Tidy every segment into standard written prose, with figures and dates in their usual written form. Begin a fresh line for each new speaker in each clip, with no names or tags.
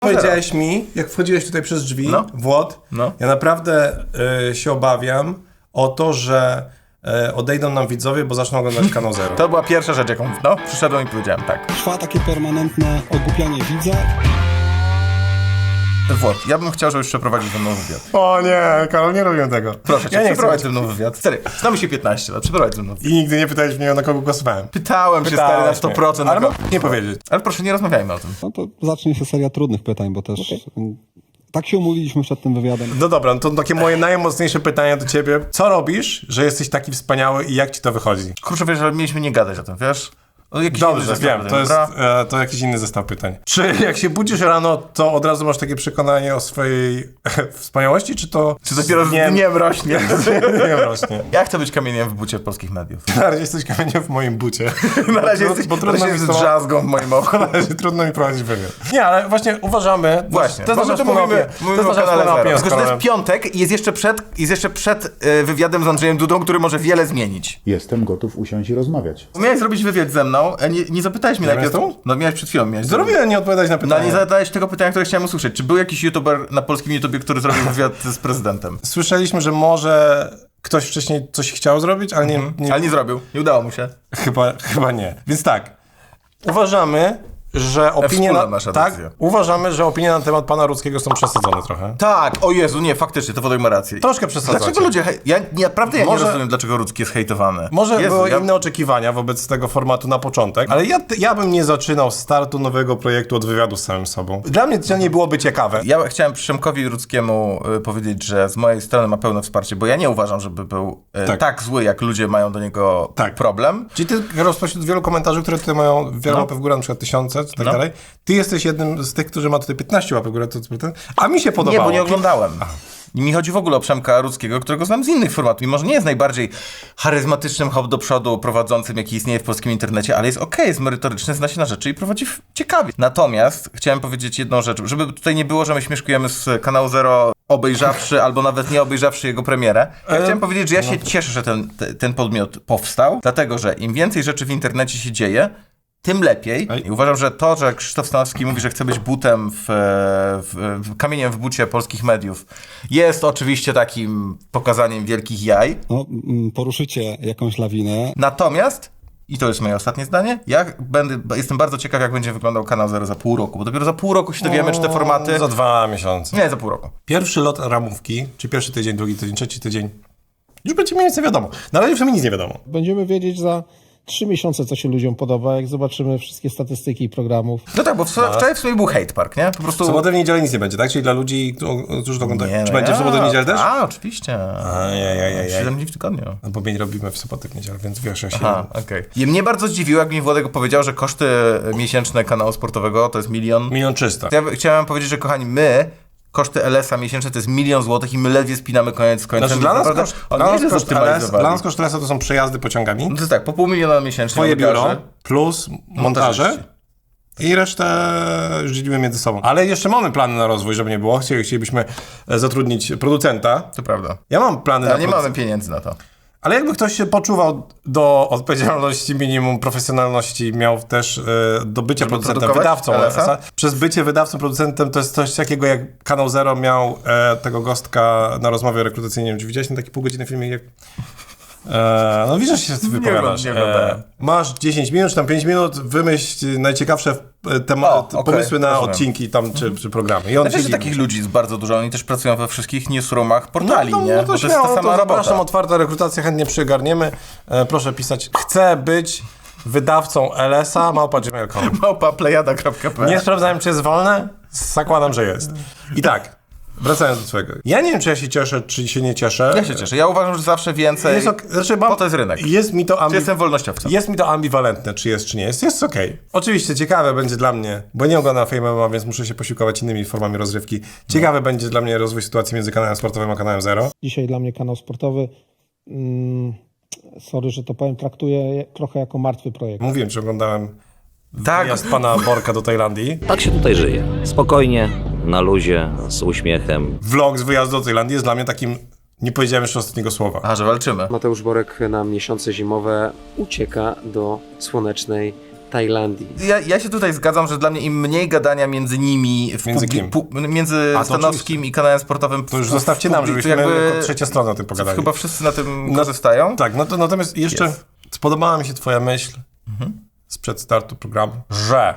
Powiedziałeś mi, jak wchodziłeś tutaj przez drzwi, Włod, ja naprawdę się obawiam o to, że odejdą nam widzowie, bo zaczną oglądać Kanał Zero.
To była pierwsza rzecz, jaką przyszedłem i powiedziałem, tak.
Trwa takie permanentne ogłupianie widza.
Włod, ja bym chciał, żebyś przeprowadził ze mną wywiad.
O nie, Karol, nie robię tego.
Proszę cię, przeprowadź ze mną wywiad. Stary, znamy się 15 lat, przeprowadź ze mną wywiad.
I nigdy nie pytałeś mnie, na kogo głosowałem.
Pytałem się, stary, na 100%.
Ale nie powiedzieć.
Ale proszę, nie rozmawiajmy o tym.
No to zacznie się seria trudnych pytań, bo też tak się umówiliśmy przed tym wywiadem.
No dobra, no to takie moje najmocniejsze pytanie do ciebie. Co robisz, że jesteś taki wspaniały i jak ci to wychodzi?
Kurczę, wiesz, ale mieliśmy nie gadać o tym, wiesz?
Dobrze, wiem, to jakiś inny zestaw pytań. Czy jak się budzisz rano, to od razu masz takie przekonanie o swojej wspaniałości, czy to...
Czy dopiero z dniem rośnie?
Nie rośnie.
Ja chcę być kamieniem w bucie polskich mediów.
Na razie jesteś kamieniem w moim bucie.
Na razie jesteś drzazgą w moim oku.
Na razie trudno mi prowadzić wywiad. Nie, ale właśnie uważamy...
Właśnie,
to jest
to mówimy o kanale Zero. Tylko, że to jest piątek i jest jeszcze przed wywiadem z Andrzejem Dudą, który może wiele zmienić.
Jestem gotów usiąść i rozmawiać.
Miałeś zrobić wywiad ze mną, a nie zapytałeś mnie najpierw. No miałeś przed chwilą.
Zrobiłem nie odpowiadać na pytania.
No nie zadałeś tego pytania, które chciałem usłyszeć. Czy był jakiś youtuber na polskim YouTubie, który zrobił wywiad z prezydentem?
Słyszeliśmy, że może ktoś wcześniej coś chciał zrobić, ale nie...
Ale nie zrobił. Nie udało mu się.
Chyba nie. Więc tak, uważamy, że opinie uważamy, że opinie na temat pana Rudzkiego są przesadzone trochę.
Tak, o Jezu, nie, faktycznie, to Wodek ma rację.
Troszkę przesadzacie.
Dlaczego ludzie... Naprawdę nie rozumiem, dlaczego Rudzki jest hejtowany.
Może były inne oczekiwania wobec tego formatu na początek, ale ja bym nie zaczynał startu nowego projektu od wywiadu z samym sobą. Dla mnie to nie byłoby ciekawe.
Ja chciałem Przemkowi Rudzkiemu powiedzieć, że z mojej strony ma pełne wsparcie, bo ja nie uważam, żeby był tak zły, jak ludzie mają do niego problem.
Czyli ty, spośród wielu komentarzy, które tutaj mają wiele łapek w górę, na przykład 1000 czy tak dalej, ty jesteś jednym z tych, którzy ma tutaj 15 łapek w górę, a mi się podobało.
Nie, bo nie oglądałem. I mi chodzi w ogóle o Przemka Rudzkiego, którego znam z innych formatów. Mimo, że nie jest najbardziej charyzmatycznym hop do przodu prowadzącym, jaki istnieje w polskim internecie, ale jest jest merytoryczny, zna się na rzeczy i prowadzi ciekawie. Natomiast chciałem powiedzieć jedną rzecz, żeby tutaj nie było, że my śmieszkujemy z Kanału Zero, obejrzawszy albo nawet nie obejrzawszy jego premierę. Ja chciałem powiedzieć, że ja się cieszę, że ten podmiot powstał, dlatego, że im więcej rzeczy w internecie się dzieje, tym lepiej. I uważam, że to, że Krzysztof Stanowski mówi, że chce być butem kamieniem w bucie polskich mediów, jest oczywiście takim pokazaniem wielkich jaj.
No, poruszycie jakąś lawinę.
Natomiast, i to jest moje ostatnie zdanie, jestem bardzo ciekaw, jak będzie wyglądał Kanał Zero za pół roku, bo dopiero za pół roku się dowiemy, czy te formaty...
Za 2 miesiące.
Nie, za pół roku.
Pierwszy lot ramówki, czy pierwszy tydzień, drugi tydzień, trzeci tydzień, już będzie mniej więcej wiadomo. Na razie przynajmniej nic nie wiadomo.
Będziemy wiedzieć za 3 miesiące, co się ludziom podoba, jak zobaczymy wszystkie statystyki programów.
No tak, bo wczoraj w sumie był hate park, nie? Po prostu...
W sobotę, w niedzielę nic nie będzie, tak? Czyli dla ludzi, którzy to oglądają. Czy będzie w sobotę, w niedzielę też?
Oczywiście. 7 dni w tygodniu.
No bo my nie robimy w sobotę, w niedzielę, więc wiesz, ja się...
okej. I mnie bardzo zdziwiło, jak mi Włodek powiedział, że koszty miesięczne kanału sportowego to jest 1
300 000.
Ja chciałem powiedzieć, że kochani, koszty LS-a miesięczne to jest 1 000 000 złotych i my ledwie spinamy koniec z końcem.
Znaczy, dla nas koszt LS to są przejazdy pociągami.
No to jest tak, po 500 000 miesięcznie.
Twoje biuro plus montaże. I resztę już dzielimy między sobą. Ale jeszcze mamy plany na rozwój, żeby nie było. Chcielibyśmy zatrudnić producenta.
To prawda.
Ja mam plany na
nie mamy pieniędzy na to.
Ale jakby ktoś się poczuwał do odpowiedzialności minimum, profesjonalności, miał też do bycia producentem, wydawcą LS-a. Przez bycie wydawcą, producentem to jest coś takiego, jak Kanał Zero miał tego gostka na rozmowie rekrutacyjnej. Czy widziałeś ten taki pół godziny filmik? Jak... no widzisz, że się wypowiadasz. Masz 10 minut, czy tam 5 minut, wymyśl najciekawsze pomysły na odcinki tam, czy programy. I on
że takich ludzi jest bardzo dużo, oni też pracują we wszystkich newsroomach portali, nie?
No to jest ta sama zapraszam, otwarta rekrutacja, chętnie przygarniemy. Proszę pisać, chcę być wydawcą LS-a, @gmail.com.
@plejada.pl.
Nie sprawdzałem, czy jest wolne, zakładam, że jest. I tak, wracając do twojego. Ja nie wiem, czy ja się cieszę, czy się nie cieszę.
Ja się cieszę. Ja uważam, że zawsze więcej, bo to jest rynek.
Czy
jestem wolnościowcem.
Jest mi to ambiwalentne, czy jest, czy nie jest. Jest okej. Oczywiście ciekawe będzie dla mnie, bo nie oglądam Fame MMA, więc muszę się posiłkować innymi formami rozrywki. Ciekawe będzie dla mnie rozwój sytuacji między kanałem sportowym a kanałem Zero.
Dzisiaj dla mnie kanał sportowy, sorry, że to powiem, traktuję trochę jako martwy projekt.
Mówiłem, że oglądałem wyjazd pana Borka do Tajlandii.
Tak się tutaj żyje. Spokojnie, na luzie, z uśmiechem.
Vlog z wyjazdu do Tajlandii jest dla mnie takim... Nie powiedziałem jeszcze ostatniego słowa.
Że walczymy.
Mateusz Borek na miesiące zimowe ucieka do słonecznej Tajlandii.
Ja się tutaj zgadzam, że dla mnie im mniej gadania między nimi,
Między kim?
Między Stanowskim i kanałem sportowym.
To już zostawcie nam, żebyśmy jako trzecia strona o tym pogadali.
Chyba wszyscy na tym korzystają.
Tak, no to natomiast jeszcze spodobała mi się twoja myśl sprzed startu programu, że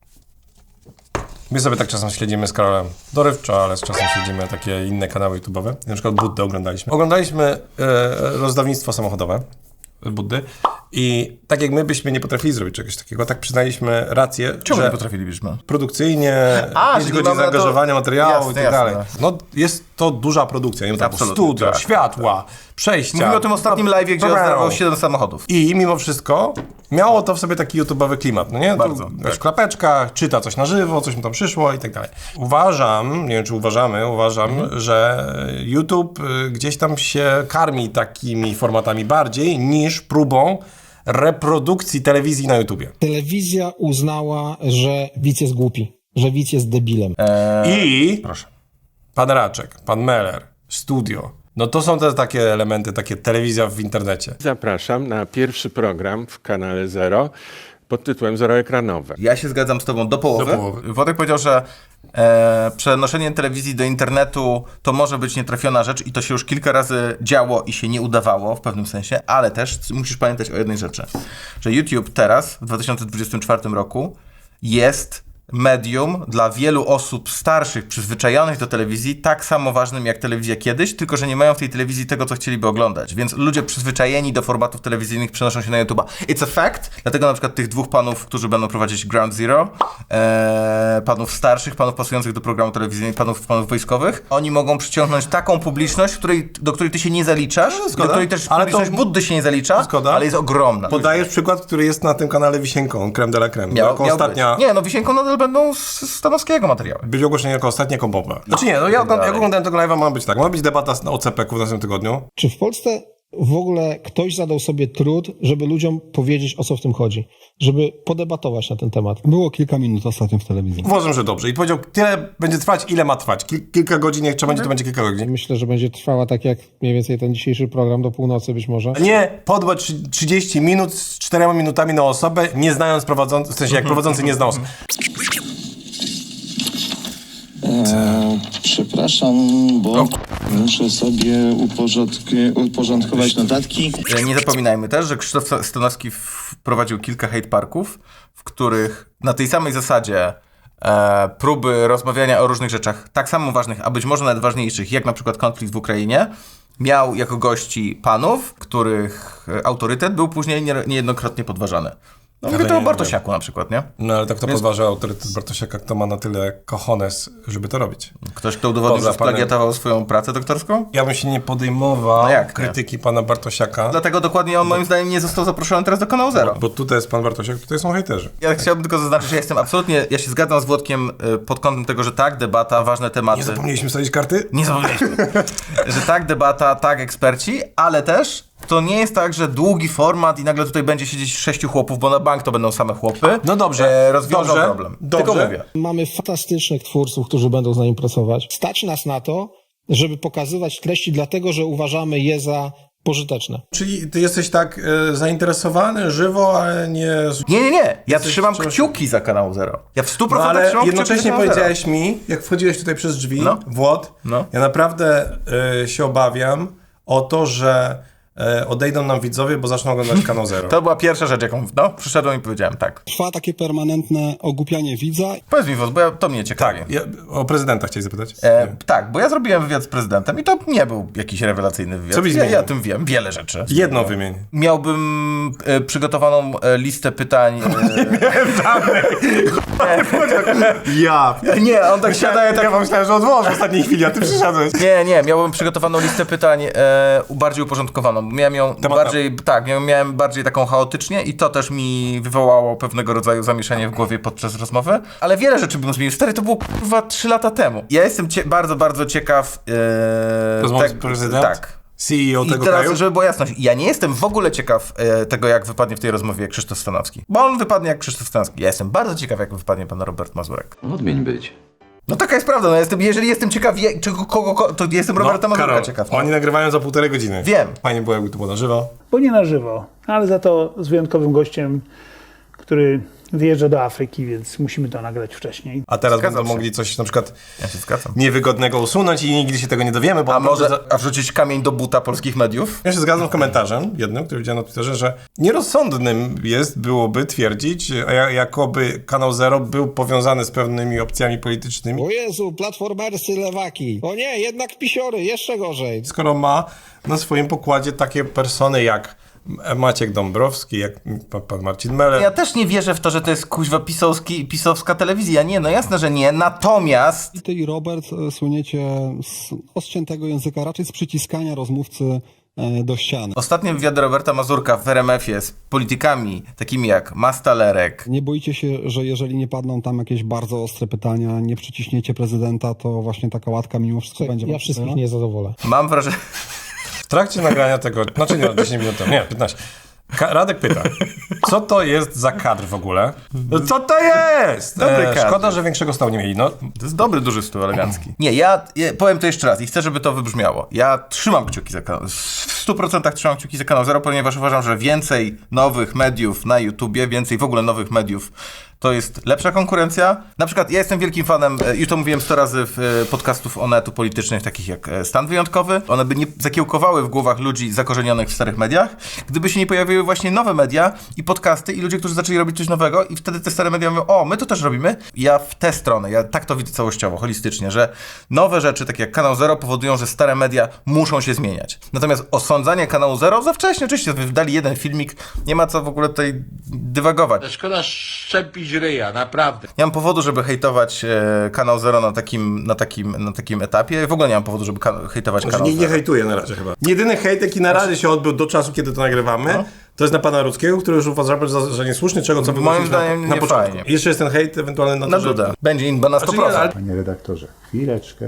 my sobie tak czasem śledzimy z Karolem dorywczo, ale z czasem śledzimy takie inne kanały YouTube'owe. Na przykład Buddę oglądaliśmy. Oglądaliśmy rozdawnictwo samochodowe Buddy i tak jak my byśmy nie potrafili zrobić czegoś takiego, tak przyznaliśmy rację,
Czemu
że
nie potrafilibyśmy?
produkcyjnie, 5
czyli
godzin
mamy
zaangażowania materiału i tak
jasne.
dalej. No jest to duża produkcja, nie wiem, tam
Absolutnie,
studio,
tak,
światła, przejścia.
Mówimy o tym ostatnim live'ie, gdzie oddawał 7 samochodów.
I mimo wszystko miało to w sobie taki YouTube'owy klimat, no nie?
Bardzo,
Tu
tak.
w klapeczkach, czyta coś na żywo, coś mu tam przyszło i tak dalej. Uważam, nie wiem czy uważam, że YouTube gdzieś tam się karmi takimi formatami bardziej niż próbą reprodukcji telewizji na YouTubie.
Telewizja uznała, że widz jest głupi, że widz jest debilem.
I
Proszę.
pan Raczek, pan Meller, studio, no to są te takie elementy, takie telewizja w internecie.
Zapraszam na pierwszy program w kanale Zero pod tytułem Zeroekranowe.
Ja się zgadzam z tobą do połowy.
Do połowy.
Wodek powiedział, że przenoszenie telewizji do internetu to może być nietrafiona rzecz i to się już kilka razy działo i się nie udawało w pewnym sensie, ale też musisz pamiętać o jednej rzeczy, że YouTube teraz, w 2024 roku, jest medium dla wielu osób starszych, przyzwyczajonych do telewizji, tak samo ważnym jak telewizja kiedyś, tylko że nie mają w tej telewizji tego, co chcieliby oglądać. Więc ludzie przyzwyczajeni do formatów telewizyjnych przenoszą się na YouTube'a. It's a fact. Dlatego na przykład tych dwóch panów, którzy będą prowadzić Ground Zero, panów starszych, panów pasujących do programu telewizyjnego, panów wojskowych, oni mogą przyciągnąć taką publiczność, do której ty się nie zaliczasz, do której też
Ale to-
publiczność Buddy się nie zalicza,
Zgoda.
ale jest ogromna.
Podajesz przykład, który jest na tym kanale Wisienką, creme de la creme. Jako ostatnia...
być. Nie, no Wisienką nadal będą z Stanowskiego materiały.
Być ogłoszenie jako ostatnia kompowa. Znaczy nie, no ja oglądałem tego live'a, ma być tak. Ma być debata o CPK-u w następnym tygodniu.
Czy w Polsce w ogóle ktoś zadał sobie trud, żeby ludziom powiedzieć, o co w tym chodzi? Żeby podebatować na ten temat?
Było kilka minut ostatnio w telewizji.
Uważam, że dobrze. I powiedział, tyle będzie trwać, ile ma trwać. Kilka godzin, jak trzeba będzie, to będzie kilka godzin.
Myślę, że będzie trwała tak jak mniej więcej ten dzisiejszy program do północy być może.
Nie podłe 30 minut z 4 minutami na osobę, nie znając prowadzącego, w sensie jak prowadzący nie zna osoby.
Przepraszam, bo muszę sobie uporządkować notatki.
Nie zapominajmy też, że Krzysztof Stanowski wprowadził kilka hate parków, w których na tej samej zasadzie próby rozmawiania o różnych rzeczach, tak samo ważnych, a być może nawet ważniejszych, jak na przykład konflikt w Ukrainie, miał jako gości panów, których autorytet był później niejednokrotnie podważany. No mówię to o Bartosiaku na przykład, nie?
No ale tak to podważa autorytet Bartosiaka, kto ma na tyle cojones, żeby to robić.
Ktoś, kto udowodnił,
Poza
że splagiatował swoją pracę doktorską?
Ja bym się nie podejmował
No jak nie?
krytyki pana Bartosiaka.
Dlatego dokładnie on moim zdaniem nie został zaproszony teraz do kanału Zero.
Bo tutaj jest pan Bartosiak, tutaj są hejterzy.
Ja chciałbym tylko zaznaczyć, że ja się zgadzam z Włodkiem pod kątem tego, że tak, debata, ważne tematy.
Nie zapomnieliśmy wsadzić karty?
Nie zapomnieliśmy. Że tak, debata, tak, eksperci, ale też to nie jest tak, że długi format i nagle tutaj będzie siedzieć 6 chłopów, bo na bank to będą same chłopy.
No dobrze,
rozwiążą
dobrze,
problem.
dobrze.
Tylko mówię.
Mamy fantastycznych twórców, którzy będą z nami pracować. Stać nas na to, żeby pokazywać treści dlatego, że uważamy je za pożyteczne.
Czyli ty jesteś tak zainteresowany żywo, ale nie...
Nie. Ja trzymam
czymś-
kciuki za kanał Zero. Ja w 100%
No ale
trzymam kciuki
jednocześnie
za kanał Zero.
powiedziałeś mi, jak wchodziłeś tutaj przez drzwi,
No.
Włod,
No.
ja naprawdę się obawiam o to, że odejdą nam widzowie, bo zaczną oglądać kanał Zero.
To była pierwsza rzecz, jaką przyszedłem i powiedziałem, tak.
Trwa takie permanentne ogłupianie widza.
Powiedz mi, Wod, bo to mnie ciekawi.
Tak, o prezydenta chciałeś zapytać?
Tak, bo ja zrobiłem wywiad z prezydentem i to nie był jakiś rewelacyjny wywiad.
Co byś
ja
zmienił?
o tym wiem, wiele rzeczy.
Jedno wymień.
Miałbym przygotowaną listę pytań.
Ja.
Nie, on tak siada,
Ja myślałem, że odłożę w ostatniej chwili, a ty przyszedłeś.
Nie, miałbym przygotowaną listę pytań bardziej uporządkowaną. Miałem ją bardziej, miałem bardziej taką chaotycznie i to też mi wywołało pewnego rodzaju zamieszanie w głowie podczas rozmowy. Ale wiele rzeczy bym zmienił. Stary, to było kurwa 3 lata temu. Ja jestem bardzo, bardzo ciekaw...
Rozmowy z prezydentem?
Tak.
CEO
I
tego
teraz,
kraju?
żeby była jasność, ja nie jestem w ogóle ciekaw tego, jak wypadnie w tej rozmowie Krzysztof Stanowski. Bo on wypadnie jak Krzysztof Stanowski. Ja jestem bardzo ciekaw, jak wypadnie pan Robert Mazurek.
Odmień być.
No taka jest prawda, jeżeli jestem ciekaw, to jestem Roberta Mazurka
Karol,
ciekaw.
oni nagrywają za 1,5 godziny.
Wiem.
Fajnie było, jakby to było na żywo.
Bo nie na żywo, ale za to z wyjątkowym gościem, który
wyjeżdża do Afryki, więc musimy to nagrać wcześniej.
A teraz
Zgadzam
będą
się.
mogli coś na przykład
Ja się zgadzam.
niewygodnego usunąć i nigdy się tego nie dowiemy, bo
A może wrzucić kamień do buta polskich mediów?
Ja się zgadzam z komentarzem jednym, który widziałem na Twitterze, że nierozsądnym byłoby twierdzić, jakoby Kanał Zero był powiązany z pewnymi opcjami politycznymi,
O Jezu, platformerscy lewaki. O nie, jednak pisiory, jeszcze gorzej.
skoro ma na swoim pokładzie takie persony jak Maciek Dąbrowski, jak pan Marcin Meller.
Ja też nie wierzę w to, że to jest kuźwa pisowska telewizja. Nie, no jasne, że nie. Natomiast
I ty i Robert słyniecie z osciętego języka, raczej z przyciskania rozmówcy do ściany.
ostatnie wywiady Roberta Mazurka w RMF-ie z politykami takimi jak Mastalerek.
Nie boicie się, że jeżeli nie padną tam jakieś bardzo ostre pytania, nie przyciśniecie prezydenta, to właśnie taka łatka mimo wszystko będzie...
Ja wszystkich nie zadowolę.
Mam wrażenie...
W trakcie nagrania tego, znaczy nie, 10 minut temu, nie, 15. Radek pyta, co to jest za kadr w ogóle? No co to jest?
Dobry kadr.
Szkoda, że większego stołu nie mieli. No,
To jest dobry, duży stół elegancki. Nie, ja powiem to jeszcze raz i chcę, żeby to wybrzmiało. Ja trzymam kciuki za kanał, w 100% trzymam kciuki za Kanał Zero, ponieważ uważam, że więcej nowych mediów na YouTubie, więcej w ogóle nowych mediów, to jest lepsza konkurencja. Na przykład ja jestem wielkim fanem, już to mówiłem 100 razy w podcastów Onetu politycznych, takich jak Stan Wyjątkowy. One by nie zakiełkowały w głowach ludzi zakorzenionych w starych mediach, gdyby się nie pojawiły właśnie nowe media i podcasty i ludzie, którzy zaczęli robić coś nowego i wtedy te stare media mówią, o, my to też robimy. Ja w tę stronę, ja tak to widzę całościowo, holistycznie, że nowe rzeczy, takie jak Kanał Zero, powodują, że stare media muszą się zmieniać. Natomiast osądzanie Kanału Zero za wcześnie, oczywiście, wydali jeden filmik, nie ma co w ogóle tutaj dywagować.
Szkoda szczepić ryja, naprawdę.
Nie mam powodu, żeby hejtować Kanał Zero na takim etapie. W ogóle nie mam powodu, żeby hejtować Kanał
nie
Zero.
hejtuję na razie chyba. Jedyny hejt, jaki na razie się odbył do czasu, kiedy to nagrywamy, to jest na pana Rudzkiego, który już uważa, że niesłuszny, czego co
Moim zdaniem
na
nie
początku.
fajnie.
I jeszcze jest ten hejt ewentualny na
Na
to, że...
Duda. Będzie inba na 100%.
Znaczy nie, ale-
Panie redaktorze, chwileczkę.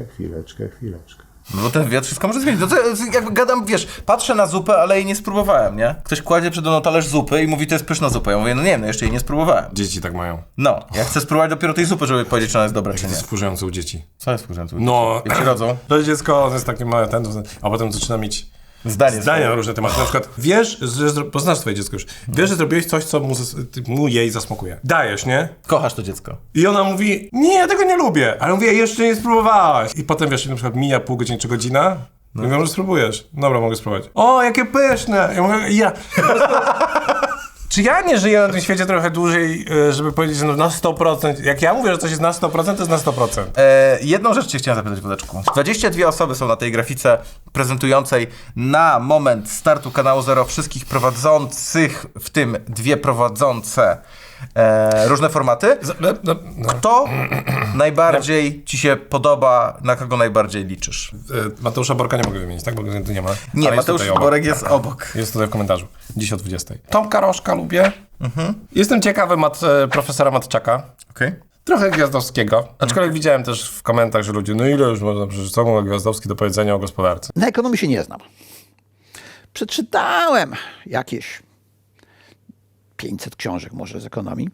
No bo ten wywiad wszystko może zmienić. No to jakby gadam, wiesz, patrzę na zupę, ale jej nie spróbowałem, nie? Ktoś kładzie przede mną talerz zupy i mówi, to jest pyszna zupa. Ja mówię, no nie wiem, no jeszcze jej nie spróbowałem.
Dzieci tak mają.
No, ja chcę spróbować dopiero tej zupy, żeby powiedzieć, czy ona jest dobra, czy
To
nie.
jest wkurzające u dzieci.
Co jest wkurzające?
No,
Jak się rodzą?
to dziecko, ono jest takie małe, a potem zaczyna mieć zdania na różne tematy. Na przykład, wiesz, poznasz swoje dziecko już, wiesz, że zrobiłeś coś, co jej zasmakuje. Dajesz, nie?
Kochasz to dziecko.
I ona mówi, nie, ja tego nie lubię. Ale mówię, jeszcze nie spróbowałaś. I potem, wiesz, na przykład mija pół godziny czy godzina. No. Mówię, może spróbujesz. Dobra, mogę spróbować. O, jakie pyszne. Ja mówię, Czy ja nie żyję na tym świecie trochę dłużej, żeby powiedzieć, że no na 100%, jak ja mówię, że coś jest na 100%, to jest na 100%.
Jedną rzecz cię chciałem zapytać, Wodeczku. 22 osoby są na tej grafice prezentującej na moment startu Kanału Zero wszystkich prowadzących, w tym dwie prowadzące różne formaty. Kto najbardziej ci się podoba, na kogo najbardziej liczysz?
Mateusza Borka nie mogę wymienić, tak? Bo go tu nie ma.
Nie,
Ale
Mateusz
jest tutaj
Borek jest obok.
Jest tutaj w komentarzu. Dziś o 20. Tomka Rożka lubię. Jestem ciekawy profesora Matczaka.
Okej.
Trochę Gwiazdowskiego. Aczkolwiek widziałem też w komentarzach, że ludzie, no ile już można przecież co ma Gwiazdowski do powiedzenia o gospodarce.
Na ekonomii się nie znam. Przeczytałem jakieś 500 książek może z ekonomii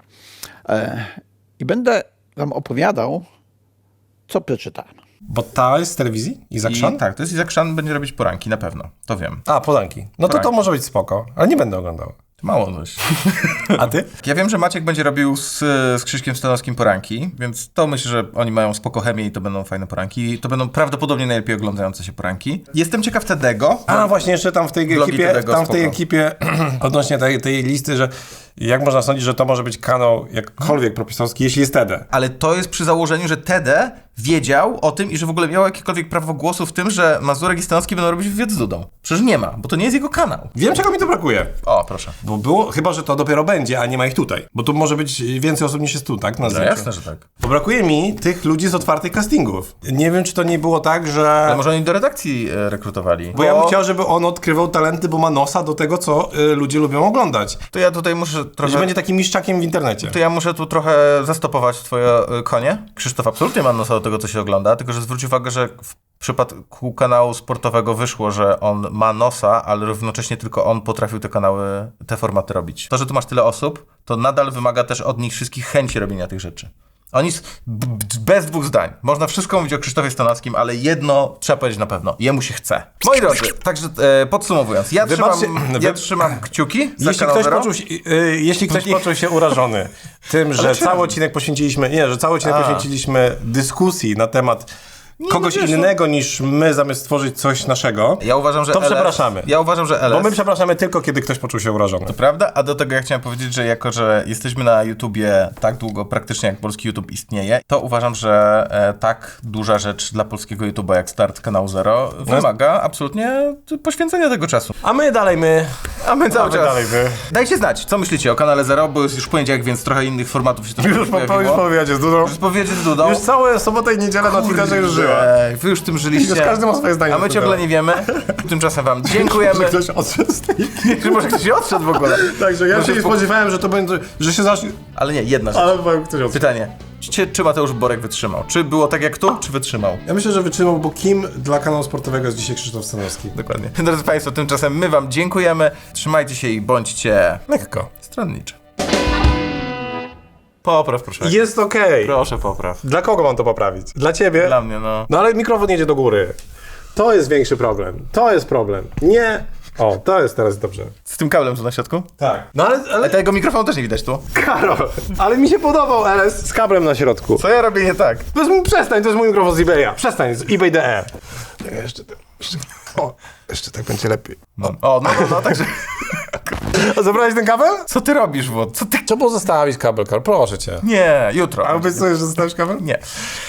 i będę wam opowiadał, co przeczytałem.
Bo ta jest z telewizji? Izak Szan?
Tak, to jest Izak Szan, będzie robić poranki, na pewno. To wiem.
A, Polanki. No to może być spoko, ale nie będę oglądał.
Mało dość.
A ty?
Ja wiem, że Maciek będzie robił z Krzyśkiem Stanowskim poranki, więc to myślę, że oni mają spoko chemię i to będą fajne poranki. To będą prawdopodobnie najlepiej oglądające się poranki. Jestem ciekaw Tedego.
A właśnie jeszcze tam w tej ekipie, odnośnie tej listy, że jak można sądzić, że to może być kanał jakkolwiek propisowski, jeśli jest TD.
Ale to jest przy założeniu, że TD wiedział o tym i że w ogóle miał jakiekolwiek prawo głosu w tym, że Mazurek i Stanowski będą robić wywiad z Dudą. Przecież nie ma, bo to nie jest jego kanał.
Wiem, czego mi to brakuje.
O, proszę.
Bo było, chyba że to dopiero będzie, a nie ma ich tutaj. Bo tu może być więcej osób niż jest tu, tak? Na zdjęciu.
Jasne, że tak.
Bo brakuje mi tych ludzi z otwartych castingów. Nie wiem, czy to nie było tak, że...
Ale może oni do redakcji rekrutowali.
Bo ja bym chciał, żeby on odkrywał talenty, bo ma nosa do tego, co ludzie lubią oglądać.
To ja tutaj muszę trochę...
Że będzie takim mistrzakiem w internecie.
To ja muszę tu trochę zastopować twoje konie. Krzysztof absolutnie ma nosa do tego, co się ogląda, tylko że zwróć uwagę, że w przypadku kanału sportowego wyszło, że on ma nosa, ale równocześnie tylko on potrafił te formaty robić. To, że tu masz tyle osób, to nadal wymaga też od nich wszystkich chęci robienia tych rzeczy. Oni bez dwóch zdań. Można wszystko mówić o Krzysztofie Stanowskim, ale jedno trzeba powiedzieć na pewno. Jemu się chce. Moi drodzy, także podsumowując, ja trzymam kciuki za
jeśli ktoś poczuł się urażony tym, że cały odcinek poświęciliśmy dyskusji na temat kogoś innego niż my, zamiast stworzyć coś naszego,
ja uważam, że
przepraszamy.
Ja uważam, że
Bo my przepraszamy tylko, kiedy ktoś poczuł się urażony.
To prawda, a do tego ja chciałem powiedzieć, że jako, że jesteśmy na YouTubie tak długo praktycznie jak polski YouTube istnieje, to uważam, że tak duża rzecz dla polskiego YouTube'a jak start kanału Zero wymaga absolutnie poświęcenia tego czasu.
A my cały czas.
Dajcie znać, co myślicie o kanale Zero, bo jest już poniedziałek, więc trochę innych formatów się
Już powiedzieć z Dudą.
Już powiedzieć z Dudą.
Już całe sobotę i niedzielę na Twitterze już żyła.
Wy już tym żyliście.
Każdy ma swoje zdanie.
A my ciągle nie wiemy. Tymczasem wam dziękujemy.
Ktoś odszedł z tej...
Może ktoś odszedł w ogóle.
Także ja się nie spodziewałem, że to będzie, że się zacznie...
Ale nie, jedna rzecz.
Ale ktoś odszedł.
Pytanie. Czy Mateusz Borek wytrzymał? Czy było tak jak tu, czy wytrzymał?
Ja myślę, że wytrzymał, bo kim dla kanału sportowego jest dzisiaj Krzysztof Stanowski?
Dokładnie. Drodzy Państwo, tymczasem my wam dziękujemy. Trzymajcie się i bądźcie
lekko
stronniczy. Popraw, proszę.
Jest okej.
Proszę, popraw.
Dla kogo mam to poprawić? Dla ciebie?
Dla mnie, no.
No ale mikrofon jedzie do góry. To jest większy problem. To jest problem. Nie... O, to jest teraz dobrze.
Z tym kablem tu na środku?
Tak. No ale...
Tego mikrofonu też nie widać tu.
Karol, ale mi się podobał LS z kablem na środku.
Co ja robię nie tak?
Przestań, to jest mój mikrofon z eBaya. Przestań, z eBay.de. Jeszcze tak będzie lepiej.
No, także...
A zabrałeś ten kabel?
Co ty robisz, Włod?
Co pozostawić kabel, Karol? Proszę cię.
Nie, jutro.
A obiecujesz, że zostawisz kabel?
Nie.